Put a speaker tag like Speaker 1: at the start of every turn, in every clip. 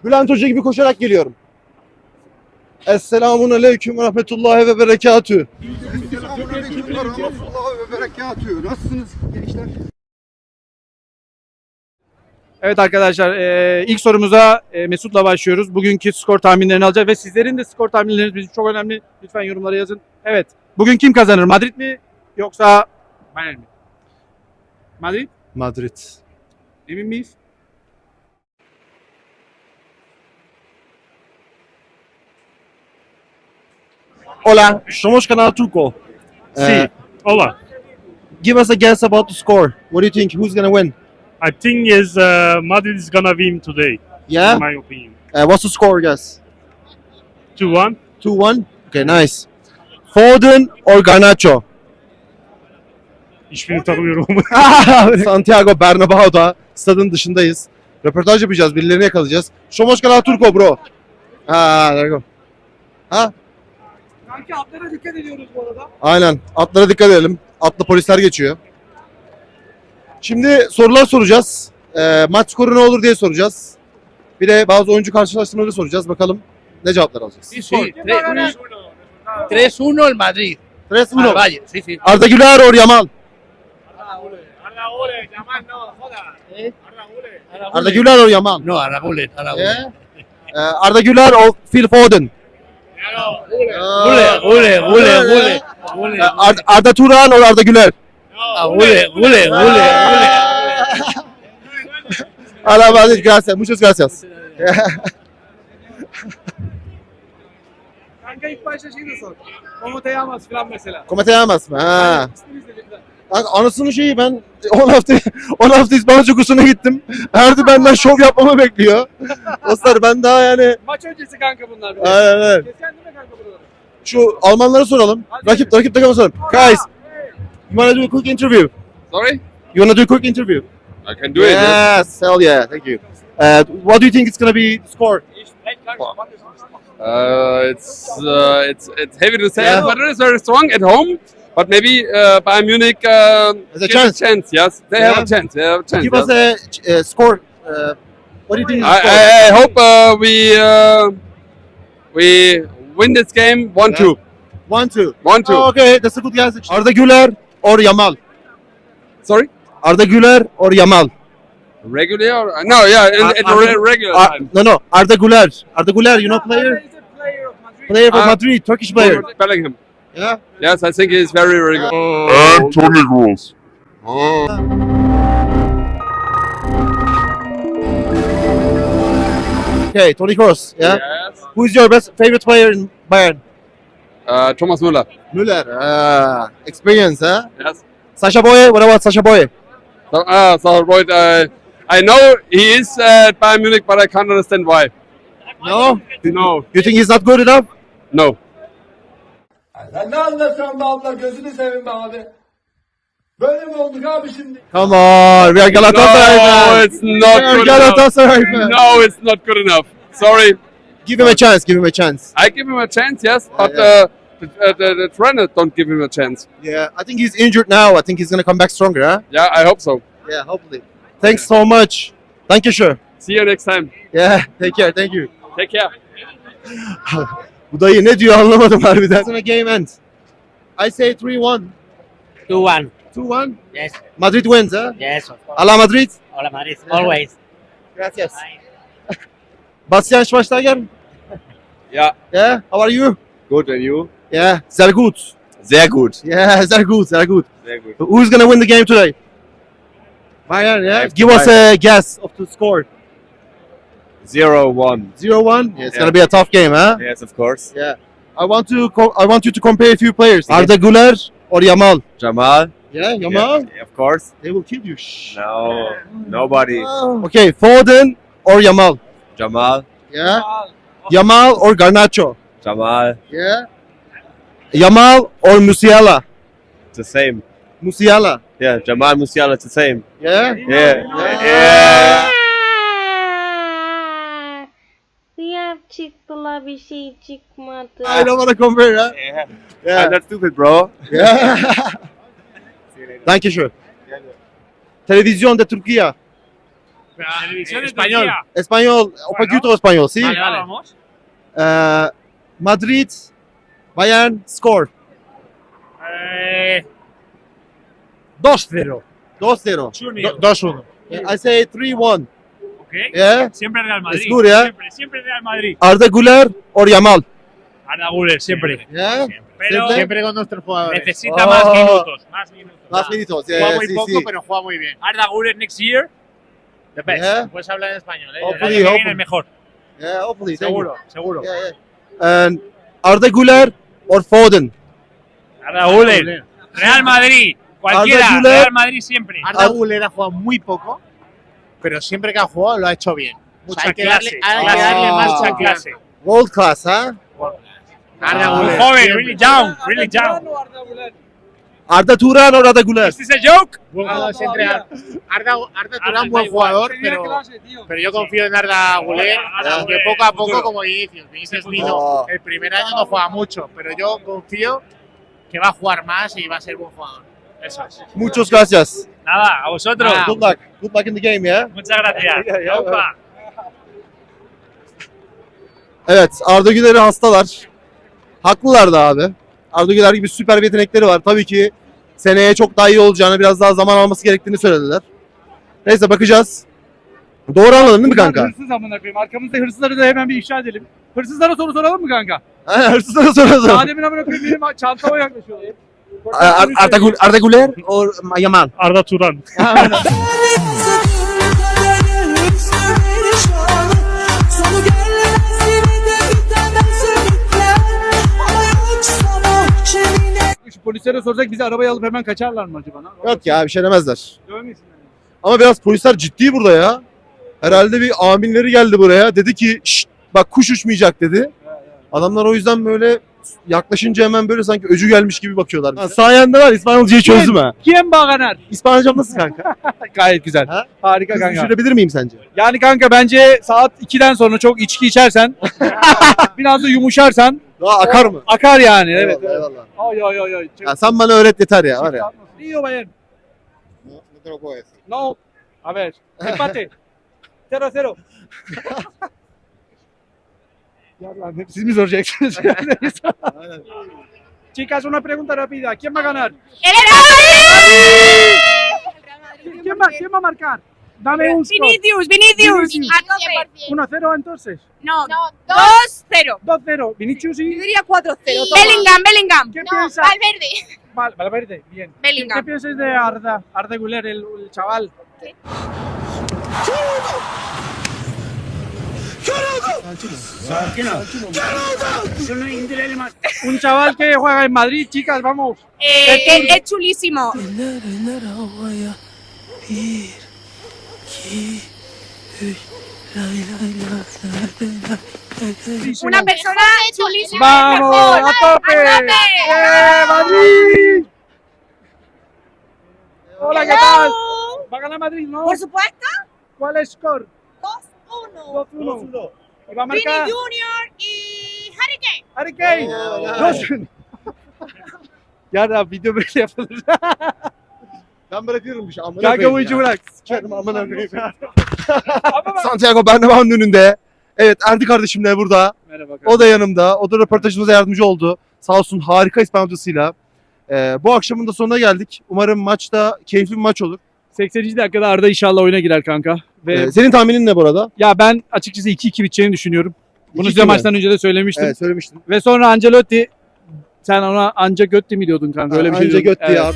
Speaker 1: Bülent Hoca gibi koşarak geliyorum. Esselamun aleyküm ve rahmetullahi ve berekatühü.
Speaker 2: Selamünaleyküm ve rahmetullahi ve berekatühü. Nasılsınız gençler?
Speaker 3: Evet arkadaşlar ilk sorumuza Mesut'la başlıyoruz. Bugünkü skor tahminlerini alacağız ve sizlerin de skor tahminleriniz bizim çok önemli. Lütfen yorumlara yazın. Evet. Bugün kim kazanır? Madrid mi yoksa Bayern mi? Madrid?
Speaker 1: Madrid.
Speaker 3: Emin miyiz?
Speaker 1: Hola, somos Canal Turco.
Speaker 4: Sí, hola.
Speaker 1: Give us a guess about the score. What do you think? Who's gonna win?
Speaker 4: I think Madrid is gonna win today,
Speaker 1: Yeah?
Speaker 4: in my opinion.
Speaker 1: What's the score, guys?
Speaker 4: 2-1.
Speaker 1: 2-1? Okay, nice. Foden or Garnacho?
Speaker 4: Hiçbirini tanımıyorum.
Speaker 1: Santiago Bernabéu'da stadın dışındayız. Röportaj yapacağız, birilerini yakalayacağız. Somos Canal Turco bro. There you go. Ha?
Speaker 3: Sanki atlara dikkat ediyoruz bu arada.
Speaker 1: Aynen. Atlara dikkat edelim. Atlı polisler geçiyor. Şimdi sorular soracağız. Maç skoru ne olur diye soracağız. Bir de bazı oyuncu karşılaştırmaları soracağız. Bakalım ne cevaplar alacağız.
Speaker 5: Sí, 3-1 el Madrid.
Speaker 1: 3-1.
Speaker 5: Al Valle, sí, sí.
Speaker 1: Arda Güler or Yamal? Arda Güler or Yamal?
Speaker 5: No, a la Gullet, a la Gullet.
Speaker 1: Yeah. Arda Güler or Phil Foden?
Speaker 5: Gullet.
Speaker 1: Arda Turan or Arda Güler?
Speaker 5: Gullet.
Speaker 1: Hola, Madrid, gracias. Muchas gracias.
Speaker 3: Kanka ilk başta şey de sor. Como te llamas falan mesela.
Speaker 1: ¿Cómo te llamas? Ha.
Speaker 3: İsminiz de lütfen.
Speaker 1: Kanka anasının şeyi ben 10 hafta İspanyolca kursuna gittim. Erdi benden şov yapmamı bekliyor. Dostlar ben daha yani
Speaker 3: Maç öncesi kanka bunlar.
Speaker 1: aynen.
Speaker 3: Kesen değil mi kanka buraları?
Speaker 1: Şu Almanlara soralım. Rakip takıma soralım. Guys, you wanna do a quick interview?
Speaker 6: Sorry?
Speaker 1: You wanna do a quick interview?
Speaker 6: I can do it. Yes.
Speaker 1: Yes, hell yeah, thank you. What do you think it's gonna be the score?
Speaker 6: It's heavy to say,
Speaker 1: Yeah.
Speaker 6: but it is very strong at home. But maybe Bayern Munich
Speaker 1: There's a
Speaker 6: gives
Speaker 1: chance.
Speaker 6: Yes, they
Speaker 1: Yeah.
Speaker 6: have a chance. They have a chance.
Speaker 1: Give us a score. What do you think is the score?
Speaker 6: I hope we win this game 1-2.
Speaker 1: 1-2.
Speaker 6: 1-2.
Speaker 1: Oh, okay, that's a good guess. Arda Güler or Yamal?
Speaker 6: Sorry?
Speaker 1: Arda Güler or Yamal?
Speaker 6: Regular? No, yeah, in regular time.
Speaker 1: No. Arda Güler. Arda Güler, you know player?
Speaker 3: He's a player of Madrid.
Speaker 1: Player from
Speaker 6: Ah.
Speaker 1: Madrid, Turkish player.
Speaker 6: Bellingham.
Speaker 1: Yeah.
Speaker 6: Yes, I think he is very, very good.
Speaker 7: And Tony Gross.
Speaker 1: Okay, Toni Kroos. Yeah.
Speaker 6: Yes.
Speaker 1: Who is your best favorite player in Bayern?
Speaker 6: Thomas Müller.
Speaker 1: Müller. Experience, huh?
Speaker 6: Yes.
Speaker 1: Sasha Boye. What about Sasha Boye?
Speaker 6: So Royd, I know he is at Bayern Munich, but I can't understand why.
Speaker 1: No.
Speaker 6: No,
Speaker 1: You think he's not good enough?
Speaker 6: no.
Speaker 8: Sen ne anlatıyorsun be abla, gözünü seveyim be abi. Böyle mi olduk abi şimdi?
Speaker 1: Come on, we are Galatasaray
Speaker 6: No,
Speaker 1: man.
Speaker 6: it's not
Speaker 1: We are
Speaker 6: good enough.
Speaker 1: Galatasaray man.
Speaker 6: No, it's not good enough. Sorry.
Speaker 1: Give him a chance. Give him a chance.
Speaker 6: I give him a chance, yes, but
Speaker 1: yeah.
Speaker 6: the trainer don't give him a chance.
Speaker 1: Yeah, I think he's injured now. I think he's gonna come back stronger, huh?
Speaker 6: Yeah, I hope so.
Speaker 1: Yeah, hopefully. Thanks so much. Thank you, sure.
Speaker 6: See you next time.
Speaker 1: Yeah, take care. Thank you.
Speaker 6: Take care.
Speaker 1: Bu dayı ne diyor anlamadım harbiden. Sonra game ends. I say 3-1.
Speaker 5: 2-1.
Speaker 1: 2-1.
Speaker 5: Yes,
Speaker 1: Madrid wins, huh?
Speaker 5: yes, of course.
Speaker 1: Ala Madrid.
Speaker 5: Hola Madrid, always.
Speaker 1: Gracias. Bastian Schweinsteiger.
Speaker 6: Yeah,
Speaker 1: Yeah, how are you?
Speaker 6: good, and you?
Speaker 1: Yeah, sehr gut.
Speaker 6: Sehr gut.
Speaker 1: Yeah, sehr gut, sehr gut.
Speaker 6: Sehr gut.
Speaker 1: Who's gonna win the game today? Bayern, yeah?
Speaker 6: FC
Speaker 1: Give us a guess of the score.
Speaker 6: 0-1.
Speaker 1: 0-1? Yeah, it's
Speaker 6: Yeah.
Speaker 1: gonna be a tough game, huh?
Speaker 6: Yes, of course.
Speaker 1: Yeah. I want you to compare a few players. Arda Güler or Yamal?
Speaker 6: Jamal?
Speaker 1: Yeah, Yamal?
Speaker 6: Yeah, of course.
Speaker 1: They will kill you. Shh.
Speaker 6: No, nobody.
Speaker 1: Okay, Foden or Yamal?
Speaker 6: Jamal?
Speaker 1: Yeah. Yamal or Garnacho?
Speaker 6: Jamal.
Speaker 1: Yeah. Yamal or Musiala?
Speaker 6: The same.
Speaker 1: Musiala.
Speaker 6: Yeah, Jamal Musiala, it's the same.
Speaker 1: Yeah.
Speaker 6: Yeah.
Speaker 9: Siyah çıktılar bir şey çıkmadı.
Speaker 1: I don't want to compare, huh? Yeah.
Speaker 6: I'm not stupid, bro.
Speaker 1: Yeah. Thank you, sure. Televizyon de Türkiye.
Speaker 5: Español.
Speaker 1: Español, un poquito español, ¿sí?
Speaker 5: Vale, vale. Vamos.
Speaker 1: Madrid, Bayern, score.
Speaker 3: 2-0.
Speaker 1: 2-0.
Speaker 3: 2-1.
Speaker 1: I say 3-1.
Speaker 4: Okay.
Speaker 1: Yeah?
Speaker 4: Siempre Real Madrid.
Speaker 1: It's good, yeah?
Speaker 4: Siempre Real Madrid.
Speaker 1: Arda Güler or Yamal?
Speaker 4: Arda Güler, siempre.
Speaker 1: Yeah?
Speaker 4: Pero
Speaker 1: Siempre
Speaker 5: con nuestros jugadores.
Speaker 4: necesita
Speaker 1: Oh.
Speaker 4: más minutos.
Speaker 1: Más minutos, yeah,
Speaker 5: Juega muy
Speaker 1: sí,
Speaker 5: poco,
Speaker 1: sí.
Speaker 5: pero juega muy bien.
Speaker 4: Arda Güler next year, the best.
Speaker 1: Yeah?
Speaker 5: Puedes hablar en español, ¿eh?
Speaker 1: Oh,
Speaker 4: El año que
Speaker 1: Hopefully.
Speaker 4: viene el mejor.
Speaker 1: Yeah, hopefully. thank you.
Speaker 3: Seguro.
Speaker 1: Yeah, yeah. And Arda Güler or Foden?
Speaker 4: Arda Güler. Real Madrid. Cualquiera.
Speaker 1: Arda Güler.
Speaker 4: Real Madrid siempre.
Speaker 5: Arda Güler ha jugado muy poco, pero siempre que ha jugado lo ha hecho bien. O sea,
Speaker 4: Mucha
Speaker 5: hay que darle,
Speaker 4: clase.
Speaker 5: hay que darle más
Speaker 4: Mucha
Speaker 5: confianza.
Speaker 4: clase.
Speaker 1: World class, huh?
Speaker 5: Arda
Speaker 4: Muy
Speaker 5: Güler.
Speaker 4: joven,
Speaker 5: siempre.
Speaker 4: really young. Really young.
Speaker 1: Arda Turan or Arda Güler?
Speaker 4: Is this a joke?
Speaker 5: No, es entre Arda Turan, buen jugador, pero yo confío en Arda Güler, aunque poco a poco como Vinicius. Vinicius vino,
Speaker 1: Oh.
Speaker 5: el primer año no juega mucho, pero yo confío que va a jugar más y va a ser buen jugador.
Speaker 4: Eso es.
Speaker 1: Muchas gracias.
Speaker 4: Nada, a vosotros.
Speaker 5: Nada.
Speaker 1: Good luck. Good luck in the game, yeah?
Speaker 4: Muchas gracias. Yaupa.
Speaker 1: Evet, Arda Güler'i hastalar. Haklılar da abi. Arda Güler gibi süper bir yetenekleri var. Tabii ki seneye çok daha iyi olacağını, biraz daha zaman alması gerektiğini söylediler. Neyse bakacağız. Doğru anladın değil mi kanka?
Speaker 3: Hırsız amına koyayım. Arkamızda hırsızları da hemen bir ifşa edelim. Hırsızlara soru soralım mı kanka?
Speaker 1: Aynen, hırsızlara soralım.
Speaker 3: Adem'in amına koyayım benim çantama yaklaşıyorlar.
Speaker 1: Arda Güler or Yamal?
Speaker 4: Arda Turan.
Speaker 3: Şu polislere sorsak bizi arabaya alıp hemen kaçarlar mı acaba?
Speaker 1: Yok ya, bir şey demezler.
Speaker 3: Dövmesinler.
Speaker 1: Ama biraz polisler ciddi burada ya. Herhalde bir aminleri geldi buraya. Dedi ki "Şşt, bak kuş uçmayacak" dedi. Adamlar o yüzden böyle yaklaşınca hemen böyle sanki öcü gelmiş gibi bakıyorlar bize. Sayende var, İspanyolcayı çözdüm ha.
Speaker 3: Kim bağlanar?
Speaker 1: İspanyolcam nasıl kanka?
Speaker 3: Gayet güzel.
Speaker 1: Ha?
Speaker 3: Harika
Speaker 1: Kız
Speaker 3: kanka.
Speaker 1: düşürebilir miyim sence?
Speaker 3: Yani kanka bence saat 2'den sonra çok içki içersen biraz da yumuşarsan
Speaker 1: Daha akar mı?
Speaker 3: akar yani. Evet.
Speaker 1: Eyvallah, eyvallah.
Speaker 3: Ay ay ay ay.
Speaker 1: Ya sen bana öğret yeter ya var ya.
Speaker 3: Rio Bayern. No. A ver. Empate. 0-0. Ya lan hep siz mi soracaksınız? Chicas, una pregunta rápida. ¿Quién va a ganar? ¿Quién va a marcar? Dame un score.
Speaker 10: Vinicius.
Speaker 3: 1-0 entonces.
Speaker 10: No, 2-0.
Speaker 3: 2-0. Vinicius y...
Speaker 10: diría 4-0. Bellingham.
Speaker 3: ¿Qué piensas?
Speaker 10: Valverde.
Speaker 3: Valverde, bien. ¿Qué
Speaker 10: Bellingham.
Speaker 3: piensas de Arda Güler, el chaval? Un chaval que juega en Madrid, chicas, vamos.
Speaker 10: Es chulísimo. Una persona chulísima.
Speaker 3: ¡Vamos! ¡A tope! ¡Madrid! Hola, ¿qué tal? ¿Va a ganar Madrid, no?
Speaker 10: Por supuesto.
Speaker 3: ¿Cuál es el score?
Speaker 10: 2-1.
Speaker 3: 2-1. ¿Y va a
Speaker 10: Vini
Speaker 3: marcar?
Speaker 10: Junior y Harry Kane.
Speaker 3: Harry Kane. 2-1. Ya video böyle yapılır.
Speaker 1: Ben bırakıyorum bir şey. Amına
Speaker 3: Kanka
Speaker 1: koyayım
Speaker 3: bu işi
Speaker 1: ya.
Speaker 3: bırak.
Speaker 1: Sikerim amına koyayım. Santiago Bernabéu'nun önünde. Evet, Erdi kardeşim de burada.
Speaker 3: Merhaba.
Speaker 1: O da yanımda. O da röportajımıza yardımcı oldu. Sağ olsun, harika İspanyolcasıyla. Bu akşamın da sonuna geldik. Umarım maçta keyifli bir maç olur.
Speaker 3: 80. dakikada Arda inşallah oyuna girer kanka. Ve
Speaker 1: Senin tahminin ne bu arada?
Speaker 3: ya ben açıkçası 2-2 biteceğini düşünüyorum. Bunu
Speaker 1: 2-2
Speaker 3: size
Speaker 1: mi?
Speaker 3: maçtan önce de söylemiştim.
Speaker 1: Evet, söylemiştin.
Speaker 3: Ve sonra Ancelotti, sen ona Ancelotti mi diyordun kanka? Öyle bir şey
Speaker 1: Anca
Speaker 3: diyordun.
Speaker 1: göt diye abi.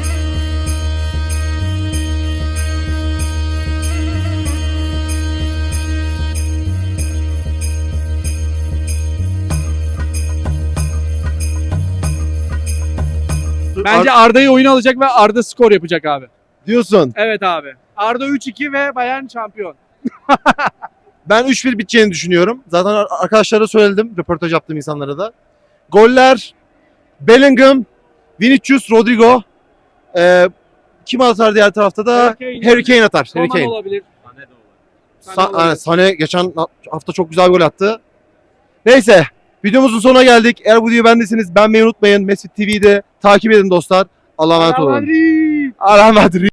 Speaker 3: Bence Arda'yı oyuna alacak ve Arda skor yapacak abi.
Speaker 1: Diyorsun.
Speaker 3: Evet abi. Arda 3-2 ve Bayern şampiyon.
Speaker 1: Ben 3-1 biteceğini düşünüyorum. Zaten arkadaşlara söyledim, röportaj yaptığım insanlara da. Goller Bellingham, Vinicius, Rodrigo. Kim atar diğer tarafta da? Harry Kane atar. Harry
Speaker 3: Coman
Speaker 1: Kane.
Speaker 3: olabilir.
Speaker 1: Sané geçen hafta çok güzel bir gol attı. Neyse, videomuzun sonuna geldik. Eğer bu videoyu beğendiyseniz beğenmeyi unutmayın. Mesut TV'de takip edin dostlar. Allah'a emanet
Speaker 3: Real
Speaker 1: olun.
Speaker 3: Madrid.
Speaker 1: Allah'a emanet olun.